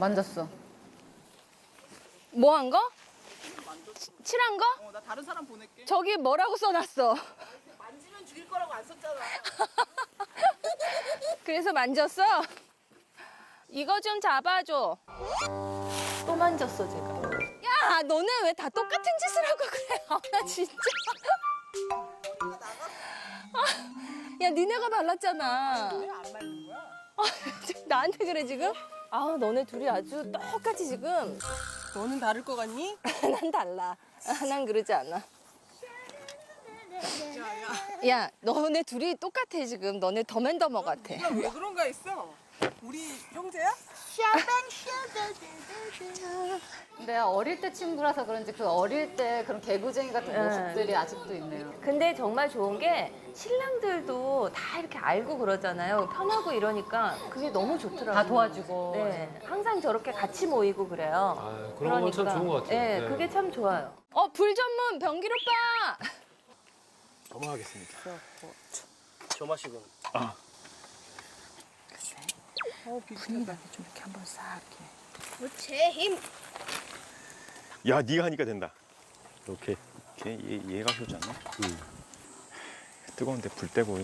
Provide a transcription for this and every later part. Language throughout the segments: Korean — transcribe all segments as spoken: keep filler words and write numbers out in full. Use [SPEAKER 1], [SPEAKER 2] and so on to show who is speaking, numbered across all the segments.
[SPEAKER 1] 만졌어.
[SPEAKER 2] 뭐 한 거? 칠한 거?
[SPEAKER 3] 어, 나 다른 사람 보낼게.
[SPEAKER 2] 저기 뭐라고 써놨어?
[SPEAKER 3] 만지면 죽일 거라고 안 썼잖아.
[SPEAKER 2] 그래서 만졌어? 이거 좀 잡아줘. 또 만졌어, 제가. 야, 너네 왜 다 똑같은 짓을 하고 그래? 아, 나 진짜. 아, 야, 니네가 발랐잖아.
[SPEAKER 3] 왜 안 말린 거야?
[SPEAKER 2] 아, 나한테 그래, 지금? 아, 너네 둘이 아주 똑같이 지금.
[SPEAKER 3] 너는 다를 것 같니?
[SPEAKER 2] 난 달라. 아, 난 그러지 않아.
[SPEAKER 3] 야, 야.
[SPEAKER 2] 야, 너네 둘이 똑같아, 지금. 너네 더맨더머 같아.
[SPEAKER 3] 네가 왜 그런가 했어? 우리 형제야?
[SPEAKER 1] 내가 어릴 때 친구라서 그런지 그 어릴 때 그런 개구쟁이 같은
[SPEAKER 2] 네.
[SPEAKER 1] 모습들이 아직도 있네요.
[SPEAKER 2] 근데 정말 좋은 게 신랑들도 다 이렇게 알고 그러잖아요. 편하고 이러니까 그게 너무 좋더라고요.
[SPEAKER 1] 다 도와주고.
[SPEAKER 2] 네, 항상 저렇게 같이 모이고 그래요.
[SPEAKER 4] 아, 그런 건 참 좋은 것 같아요.
[SPEAKER 2] 네,
[SPEAKER 4] 네.
[SPEAKER 2] 그게 참 좋아요. 어, 불 전문 병길 오빠!
[SPEAKER 5] 넘어가겠습니다.
[SPEAKER 6] 저 맛이군.
[SPEAKER 3] 어, 분위기가
[SPEAKER 2] 좀 이렇게 한번 싹 이렇게.
[SPEAKER 6] 제 힘.
[SPEAKER 5] 야, 네가 하니까 된다. 이렇게. 걔, 얘, 얘가 효자네. 응. 뜨거운데 불 떼고.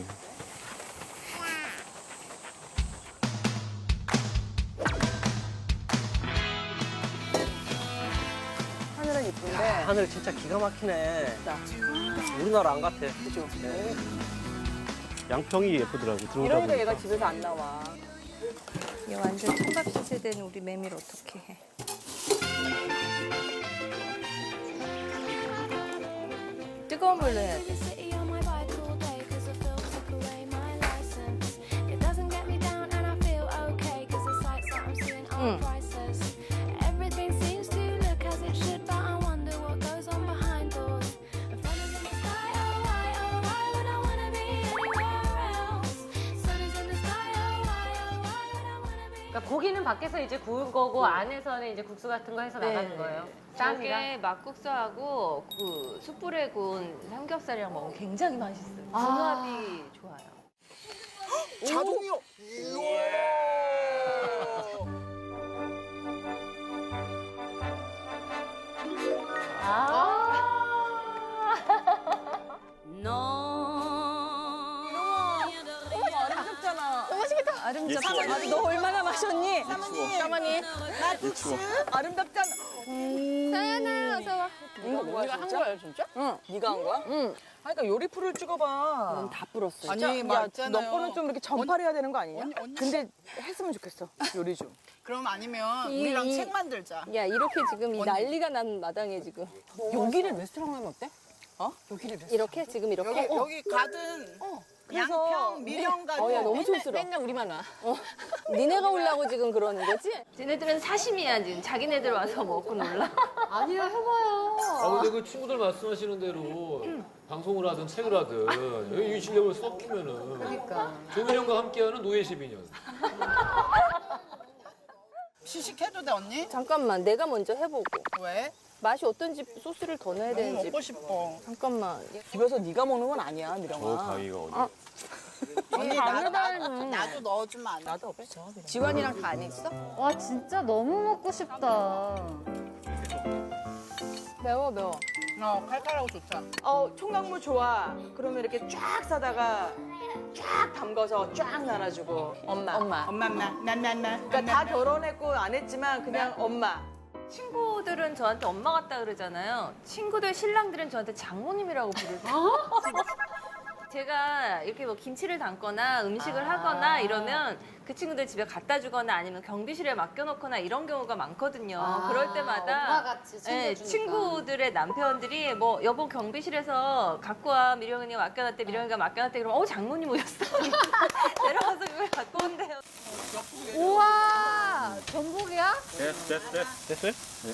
[SPEAKER 2] 하늘은 이쁜데.
[SPEAKER 6] 하늘 진짜 기가 막히네.
[SPEAKER 2] 진짜.
[SPEAKER 6] 우리나라 안 같아. 그죠? 네. 양평이 예쁘더라고. 들어오다
[SPEAKER 2] 이러니까
[SPEAKER 6] 보니까.
[SPEAKER 2] 얘가 집에서 안 나와. 얘 완전 총각 시세대는 우리 매미를 어떻게 해. 뜨거운 물로 해야 돼. 응.
[SPEAKER 1] 그러니까 고기는 밖에서 이제 구운 거고 안에서는 이제 국수 같은 거 해서 나가는 거예요. 땀이랑.
[SPEAKER 2] 저게 막국수하고 그 숯불에 구운 삼겹살이랑 먹으면 굉장히 맛있어요.
[SPEAKER 1] 아.
[SPEAKER 2] 궁합이 좋아요.
[SPEAKER 3] 자동이요.
[SPEAKER 2] 아름답잖아. 너무 맛있겠다.
[SPEAKER 5] 얘
[SPEAKER 2] 아름답잖아.
[SPEAKER 5] 추워.
[SPEAKER 2] 너 얼마나 마셨니?
[SPEAKER 3] 사모님.
[SPEAKER 5] 얘 추워.
[SPEAKER 3] 아름답잖아.
[SPEAKER 2] 사연아, 어서 와.
[SPEAKER 3] 이거 네가 한 거야, 진짜?
[SPEAKER 7] 응. 네가 한 거야?
[SPEAKER 2] 응.
[SPEAKER 7] 그러니까 요리풀을 찍어봐.
[SPEAKER 2] 넌 다 불었어.
[SPEAKER 3] 아니,
[SPEAKER 7] 진짜? 야,
[SPEAKER 3] 맞잖아요.
[SPEAKER 7] 너 거는 좀 이렇게 전파해야 되는 거 아니냐?
[SPEAKER 3] 언니, 언니.
[SPEAKER 7] 근데 했으면 좋겠어, 요리 좀.
[SPEAKER 3] 그럼 아니면
[SPEAKER 2] 이-
[SPEAKER 3] 우리랑
[SPEAKER 2] 이-
[SPEAKER 3] 책 만들자.
[SPEAKER 2] 야, 이렇게 지금 이 난리가 난 마당에 지금.
[SPEAKER 7] 여기를 레스토랑 하면 어때? 어? 여기를 레스토랑.
[SPEAKER 2] 이렇게? 지금 이렇게?
[SPEAKER 3] 여기 여기 가든
[SPEAKER 7] 그래서-
[SPEAKER 3] 양평, 미령 가든.
[SPEAKER 2] 어, 야, 너무 촌스러워.
[SPEAKER 7] 맨날 우리만 와.
[SPEAKER 2] 어, 니네가 오려고 지금 그러는 거지? 쟤네들은 사심이야, 지금. 자기네들 와서 먹고 놀라.
[SPEAKER 1] 아니야, 해봐요.
[SPEAKER 4] 아, 근데 그 친구들 말씀하시는 대로 방송을 하든 책을 하든 여기 이 실력을 섞이면은
[SPEAKER 1] 그러니까.
[SPEAKER 4] 조민영과 함께하는 노예 십이 년.
[SPEAKER 3] 시식해도 돼, 언니?
[SPEAKER 2] 잠깐만, 내가 먼저 해보고.
[SPEAKER 3] 왜?
[SPEAKER 2] 맛이 어떤지 소스를 더 넣어야
[SPEAKER 3] 너무
[SPEAKER 2] 되는지.
[SPEAKER 3] 먹고 싶어.
[SPEAKER 2] 잠깐만.
[SPEAKER 7] 집에서 네가 먹는 건 아니야,
[SPEAKER 5] 저
[SPEAKER 7] 미령아.
[SPEAKER 5] 가위가 어디?
[SPEAKER 2] 아.
[SPEAKER 3] 언니 나도, 나도, 나도 넣어주면 안 돼?
[SPEAKER 7] 나도 없어. 그냥.
[SPEAKER 2] 지환이랑 다 안 했어?
[SPEAKER 1] 와, 진짜 너무 먹고 싶다.
[SPEAKER 2] 매워, 매워.
[SPEAKER 3] 어, 칼칼하고 좋다.
[SPEAKER 7] 어, 총각물 좋아. 그러면 이렇게 쫙 싸다가 쫙 담가서 쫙 나눠주고. 엄마.
[SPEAKER 2] 엄마.
[SPEAKER 3] 엄마, 엄마, 나나나.
[SPEAKER 7] 그러니까 다 결혼했고 안 했지만 그냥 엄마.
[SPEAKER 2] 친구들은 저한테 엄마 같다 그러잖아요. 친구들 신랑들은 저한테 장모님이라고 부르세요. 제가 이렇게 뭐 김치를 담거나 음식을
[SPEAKER 7] 아.
[SPEAKER 2] 하거나 이러면 그 친구들 집에 갖다 주거나 아니면 경비실에 맡겨놓거나 이런 경우가 많거든요.
[SPEAKER 1] 아,
[SPEAKER 2] 그럴 때마다
[SPEAKER 1] 엄마같이
[SPEAKER 2] 예,
[SPEAKER 1] 챙겨주니까.
[SPEAKER 2] 친구들의 남편들이 뭐 여보 경비실에서 갖고 와 미령이가 맡겨놨대 미령이가 맡겨놨대 그러면 어 장모님 오셨어. 내려가서 그걸 갖고 온대요.
[SPEAKER 1] 우와, 전복이야?
[SPEAKER 5] 됐어, 됐어, 됐어. 됐어요? 네.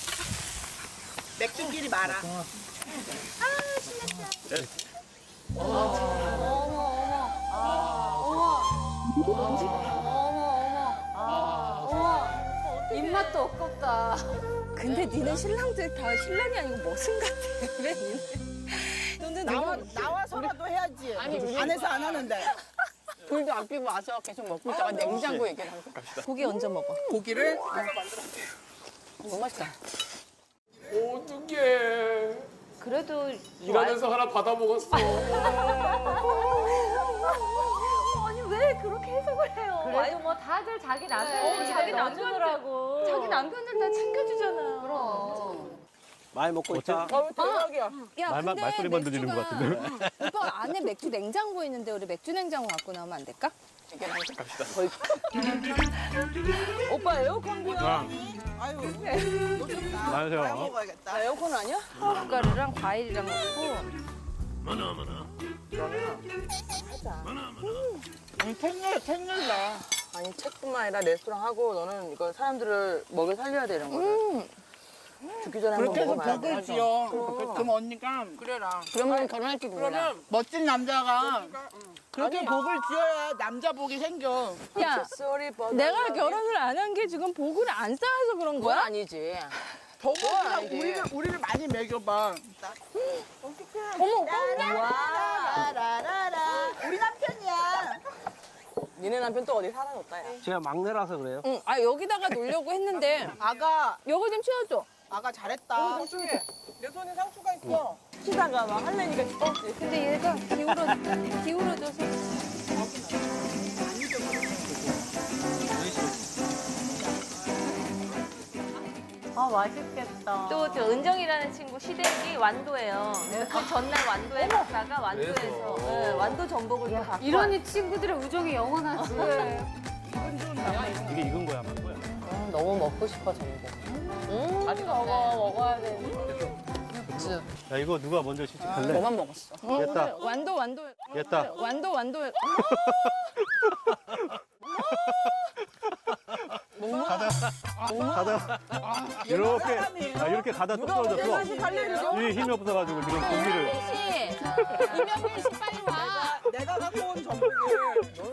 [SPEAKER 3] 맥주끼리 말아.
[SPEAKER 1] 입맛도 없겠다.
[SPEAKER 2] 근데 니네 신랑들 다 신랑이 아니고 머슴 같아. 왜 니네? 너는
[SPEAKER 3] 나와, 나와서라도 해야지. 아니, 안에서 안 하는데. 불도 안 피고 와서 계속 먹고 있다가 냉장고 얘기를 하고.
[SPEAKER 2] 고기 얹어 먹어.
[SPEAKER 3] 고기를 내가 만들었대. 너무 맛있다.
[SPEAKER 4] 어떡해.
[SPEAKER 2] 그래도
[SPEAKER 4] 일하면서 하나 받아 먹었어.
[SPEAKER 2] 아니 왜 그렇게 해석을 해요?
[SPEAKER 1] 그래도 뭐 다들 자기 남편들
[SPEAKER 2] 네,
[SPEAKER 1] 집에
[SPEAKER 2] 자기
[SPEAKER 1] 넣어주느라고.
[SPEAKER 2] 자기 남편들 다 챙겨주잖아.
[SPEAKER 1] 그럼.
[SPEAKER 6] 많이 먹고 있다.
[SPEAKER 3] 어, 대박이야.
[SPEAKER 2] 야,
[SPEAKER 5] 말만
[SPEAKER 2] 근데
[SPEAKER 5] 말소리만 들리는 것
[SPEAKER 2] 맥주가-
[SPEAKER 5] 같은데.
[SPEAKER 2] 오빠 안에 맥주 냉장고 있는데 우리 맥주 냉장고 갖고 나오면 안 될까?
[SPEAKER 7] 오빠 에어컨이야.
[SPEAKER 3] 아유,
[SPEAKER 5] 안녕하세요.
[SPEAKER 3] 잘 먹어야겠다.
[SPEAKER 7] 나 에어컨 아니야?
[SPEAKER 2] 고춧가루랑 과일이랑 넣고
[SPEAKER 3] 아니, 텐일, 텐일다.
[SPEAKER 7] 아니 책뿐만 아니라 레스토랑 하고 너는 이거 사람들을 먹여 살려야 되는 거야.
[SPEAKER 2] 음.
[SPEAKER 7] 죽기 전에 한번
[SPEAKER 3] 그렇게 해서
[SPEAKER 7] 먹어봐야 돼.
[SPEAKER 3] 복을 지어. 그럼 언니가
[SPEAKER 7] 그래라.
[SPEAKER 2] 그러면 결혼할지도 몰라.
[SPEAKER 3] 그러면 멋진 남자가 그렇게 복을 지어야 남자 복이 생겨.
[SPEAKER 2] 야,
[SPEAKER 7] 쏘리 버
[SPEAKER 2] 내가 결혼을 안 한 게 지금 복을 안 쌓아서 그런
[SPEAKER 7] 그건
[SPEAKER 2] 거야?
[SPEAKER 7] 아니지.
[SPEAKER 3] 복을
[SPEAKER 7] 아니지.
[SPEAKER 3] 우리를 우리를 많이 먹여봐.
[SPEAKER 2] 어머,
[SPEAKER 3] 라라라라. 우리 남편이야.
[SPEAKER 7] 니네 남편 또 어디 사라졌다 야.
[SPEAKER 6] 제가 막내라서 그래요.
[SPEAKER 2] 응, 아 여기다가 놓으려고 했는데
[SPEAKER 3] 아가
[SPEAKER 2] 요거 좀 치워줘.
[SPEAKER 3] 아가 잘했다. 내 손에 상추가 있어.
[SPEAKER 7] 치다가 막 할래니까 씹었지.
[SPEAKER 2] 근데 얘가 기울어 기울어져서
[SPEAKER 1] 아, 맛있겠다.
[SPEAKER 2] 또 저 은정이라는 친구 시댁이 완도예요. 그 전날 완도에 갔다가 완도에서
[SPEAKER 4] 그래서.
[SPEAKER 2] 네, 완도 전복을 또 갖고
[SPEAKER 1] 이러니 친구들의 우정이 영원하지.
[SPEAKER 5] 이게 익은 거야, 만 거야.
[SPEAKER 7] 너무 먹고 싶어 전복.
[SPEAKER 2] 음,
[SPEAKER 7] 아직 먹어 먹어야 돼.
[SPEAKER 5] 야, 이거 누가 먼저 시식할래?
[SPEAKER 7] 너만 먹었어.
[SPEAKER 5] 됐다.
[SPEAKER 2] 완도 완도
[SPEAKER 5] 됐다.
[SPEAKER 2] 완도 완도
[SPEAKER 5] 가다 이렇게 아, 이렇게 가다 또 떨어졌어. 이게 힘이 없어가지고 지금 고기를.
[SPEAKER 2] 씨 이명민 씨 빨리 와.
[SPEAKER 3] 내가 갖고 온 전복을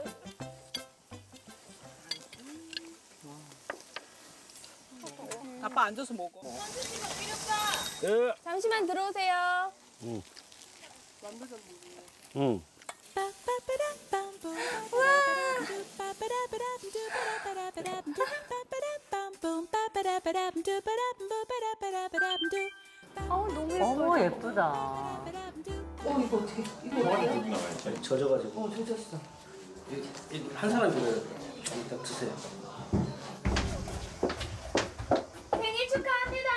[SPEAKER 3] 아빠 앉아서 먹어.
[SPEAKER 5] 예.
[SPEAKER 2] 잠시만 들어오세요.
[SPEAKER 5] 응.
[SPEAKER 2] 어우 너무 예뻐.
[SPEAKER 1] 어머, 예쁘다.
[SPEAKER 6] 젖어가지고. 어, 젖었어. 한 사람 들어요. 좀 이따 드세요.
[SPEAKER 2] 생일 축하합니다.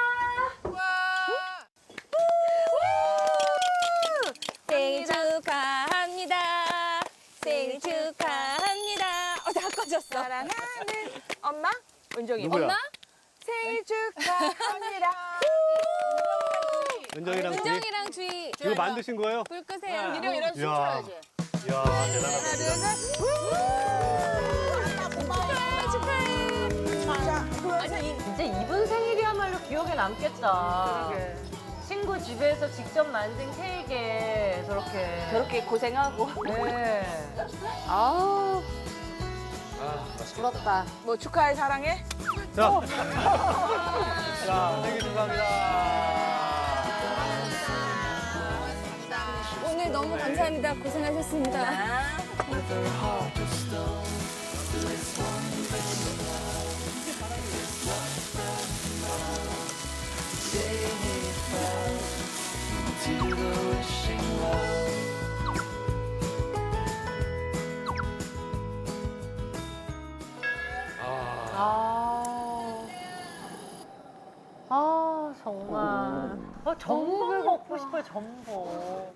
[SPEAKER 2] 생일 축하합니다. 생일 축하합니다. 어, 다 꺼졌어.
[SPEAKER 7] 사랑하는 엄마 은정이.
[SPEAKER 5] 누구야?
[SPEAKER 2] 엄마?
[SPEAKER 7] 생일 축하합니다.
[SPEAKER 5] 은정이랑 둘이.
[SPEAKER 2] 은정이랑 주희
[SPEAKER 5] 이거 만드신 거예요?
[SPEAKER 2] 불 끄세요.
[SPEAKER 7] 미령 이런 춤
[SPEAKER 5] 이야.
[SPEAKER 7] 춰야지.
[SPEAKER 5] 이야, 대단하다.
[SPEAKER 2] 축하해. 축하해.
[SPEAKER 1] 진짜 이분 생일이야말로 기억에 남겠다. 친구 집에서 직접 만든 케이크에 저렇게.
[SPEAKER 2] 저렇게 고생하고.
[SPEAKER 1] 네.
[SPEAKER 2] 아우
[SPEAKER 4] 아, 맛있겠다.
[SPEAKER 2] 부럽다.
[SPEAKER 7] 뭐 축하해 사랑해.
[SPEAKER 5] 자, 자, 생일 축하합니다.
[SPEAKER 2] 오늘 너무 감사합니다. 고생하셨습니다.
[SPEAKER 1] 아. 아, 정말. 아, 전복을 먹고 싶어요, 전복.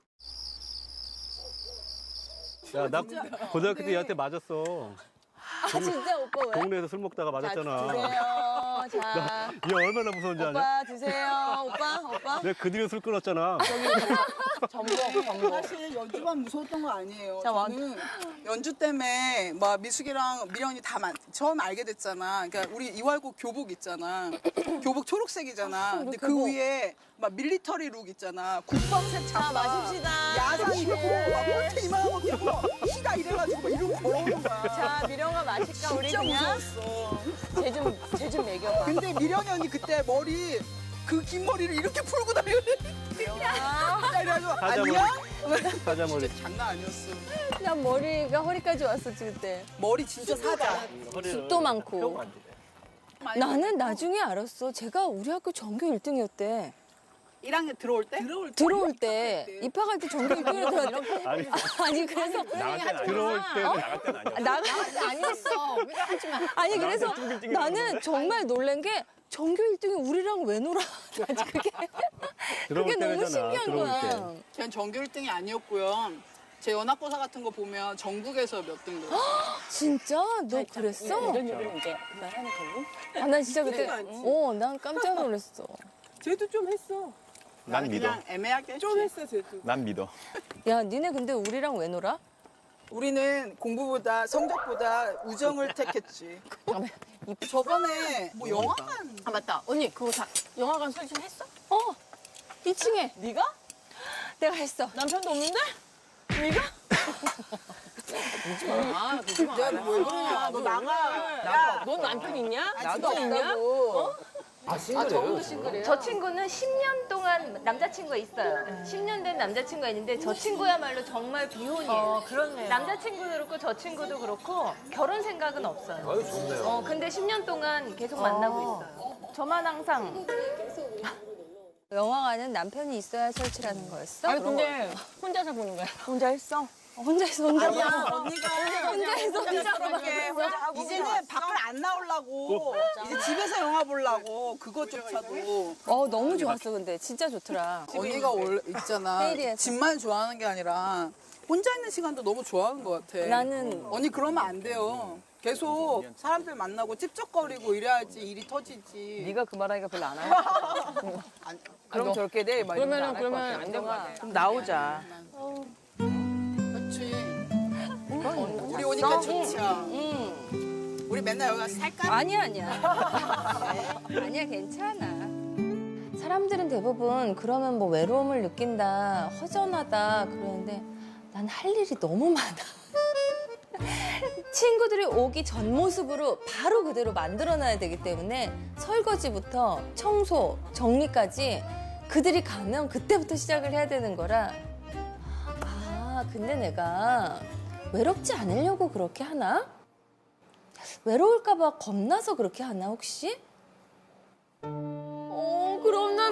[SPEAKER 5] 야, 나 고등학교 때 얘한테 맞았어.
[SPEAKER 2] 아 진짜 오빠 왜?
[SPEAKER 5] 동네에서 술 먹다가 맞았잖아.
[SPEAKER 7] 드세요. 자.
[SPEAKER 5] 얘 얼마나 무서운지 아냐?
[SPEAKER 7] 오빠 드세요. 오빠 오빠.
[SPEAKER 5] 내가 그 뒤로 술 끊었잖아.
[SPEAKER 7] 전복 전복.
[SPEAKER 3] 사실 연주만 무서웠던 거 아니에요.
[SPEAKER 7] 자, 완-
[SPEAKER 3] 저는 연주 때문에 막 미숙이랑 미련이 다 만, 처음 알게 됐잖아. 그러니까 우리 이월곡 교복 있잖아. 교복 초록색이잖아. 근데 그 위에 막 밀리터리 룩 있잖아. 국방색
[SPEAKER 7] 자
[SPEAKER 3] 잠바.
[SPEAKER 7] 마십시다.
[SPEAKER 3] 야상 입고 막 폴트 이만한 거 끼고 시다 이래가지고 막 이러고 걸어오는 거야.
[SPEAKER 7] 자 미령아 마실까 우리
[SPEAKER 3] 진짜
[SPEAKER 7] 그냥
[SPEAKER 3] 무서웠어.
[SPEAKER 7] 쟤좀쟤 좀 먹여봐.
[SPEAKER 3] 근데 미련이 언니 그때 머리 그 긴 머리를 이렇게 풀고 다니는
[SPEAKER 7] 아,
[SPEAKER 3] 그래가지고
[SPEAKER 5] 사자머리.
[SPEAKER 3] 아니야?
[SPEAKER 5] 사자머리.
[SPEAKER 3] 진짜 장난 아니었어.
[SPEAKER 2] 난 머리가 허리까지 왔었지 그때.
[SPEAKER 3] 머리 진짜 사자.
[SPEAKER 2] 숱도 많고. 나는 나중에 알았어. 제가 우리 학교 전교 일 등이었대.
[SPEAKER 3] 일 학년 들어올 때? 들어올
[SPEAKER 2] 들어올 때 입학할 때 전교 일 등으로 들어왔대.
[SPEAKER 5] 아니,
[SPEAKER 2] 아니 그래서
[SPEAKER 5] 나갈 땐 아니야. 들어올 때는 나갈 땐 아니야.
[SPEAKER 2] 나갈 때 아니었어. 하지 마. 아니 그래서 나는 정말 놀란 게 전교 일 등이 우리랑 왜 놀아? 나 그게
[SPEAKER 5] 들어올
[SPEAKER 2] 그게 너무
[SPEAKER 5] 때잖아,
[SPEAKER 2] 신기한
[SPEAKER 5] 들어올
[SPEAKER 2] 거야.
[SPEAKER 5] 때.
[SPEAKER 3] 그냥 전교 일 등이 아니었고요. 제 연합고사 같은 거 보면 전국에서 몇 등 됐어.
[SPEAKER 2] 진짜? 너 그랬어?
[SPEAKER 7] 이런 얘기는 이제 말하는 거고.
[SPEAKER 2] 아, 난 진짜 그때
[SPEAKER 7] 그때가 아니지.
[SPEAKER 2] 어, 난 깜짝 놀랐어.
[SPEAKER 7] 쟤도 좀 했어.
[SPEAKER 5] 난
[SPEAKER 3] 나는
[SPEAKER 5] 믿어.
[SPEAKER 3] 그냥 애매하게 했지.
[SPEAKER 7] 좀 했어, 쟤도.
[SPEAKER 5] 난 믿어.
[SPEAKER 2] 야, 니네 근데 우리랑 왜 놀아?
[SPEAKER 3] 우리는 공부보다 성적보다 우정을 택했지. 저번에 뭐 영화관
[SPEAKER 7] 아, 맞다. 언니, 그거 다 영화관 설치했어?
[SPEAKER 2] 어, 이 층에
[SPEAKER 7] 네가?
[SPEAKER 2] 내가 했어.
[SPEAKER 7] 남편도 없는데? 네가? 그러지 마. 그러지 마.
[SPEAKER 3] 야, 너 왜 그러냐? 너 나가.
[SPEAKER 7] 야, 넌 남편 있냐?
[SPEAKER 3] 나도
[SPEAKER 7] 있냐?
[SPEAKER 4] 아 싱글이에요? 지금?
[SPEAKER 1] 저 친구는 십 년 동안 남자친구가 있어요. 십 년 된 남자친구가 있는데 저 친구야말로 정말 비혼이에요. 어, 그렇네요.
[SPEAKER 2] 남자친구도 그렇고 저 친구도 그렇고 결혼 생각은 없어요.
[SPEAKER 4] 아유 좋네요.
[SPEAKER 2] 어, 근데 십 년 동안 계속 만나고 있어요. 저만 항상. 영화관은 남편이 있어야 설치라는 거였어?
[SPEAKER 7] 아니, 근데 혼자서 보는 거야. 혼자 했어?
[SPEAKER 2] 어, 혼자서 혼자
[SPEAKER 3] 아니야,
[SPEAKER 2] 봐.
[SPEAKER 3] 언니가
[SPEAKER 2] 혼자서 혼자
[SPEAKER 3] 그렇게 이제는 밖을 안 나오려고 이제 집에서 영화 보려고 그것조차도
[SPEAKER 2] 어, 너무 좋았어, 근데. 진짜 좋더라.
[SPEAKER 3] 언니가 원래 있잖아.
[SPEAKER 2] 헤이리에서.
[SPEAKER 3] 집만 좋아하는 게 아니라 혼자 있는 시간도 너무 좋아하는 것 같아.
[SPEAKER 2] 나는
[SPEAKER 3] 언니 그러면 안 돼요. 계속 사람들 만나고 찝쩍거리고 이래야지 일이 터지지.
[SPEAKER 7] 네가 그 말하니까 별로 안 하고.
[SPEAKER 3] 안-
[SPEAKER 7] 그럼 저렇게 돼. 그러면은 그러면 안 될 것 같아. 그럼 나오자.
[SPEAKER 3] 그렇지. 우리 오니까 좋죠. 우리 맨날 여기 가서 살까?
[SPEAKER 2] 아니야, 아니야. 아니야, 괜찮아. 사람들은 대부분 그러면 뭐 외로움을 느낀다, 허전하다 그러는데 난 할 일이 너무 많아. 친구들이 오기 전 모습으로 바로 그대로 만들어놔야 되기 때문에 설거지부터 청소, 정리까지 그들이 가면 그때부터 시작을 해야 되는 거라 아, 근데 내가 외롭지 않으려고 그렇게 하나? 외로울까 봐 겁나서 그렇게 하나 혹시? 어, 그럼 난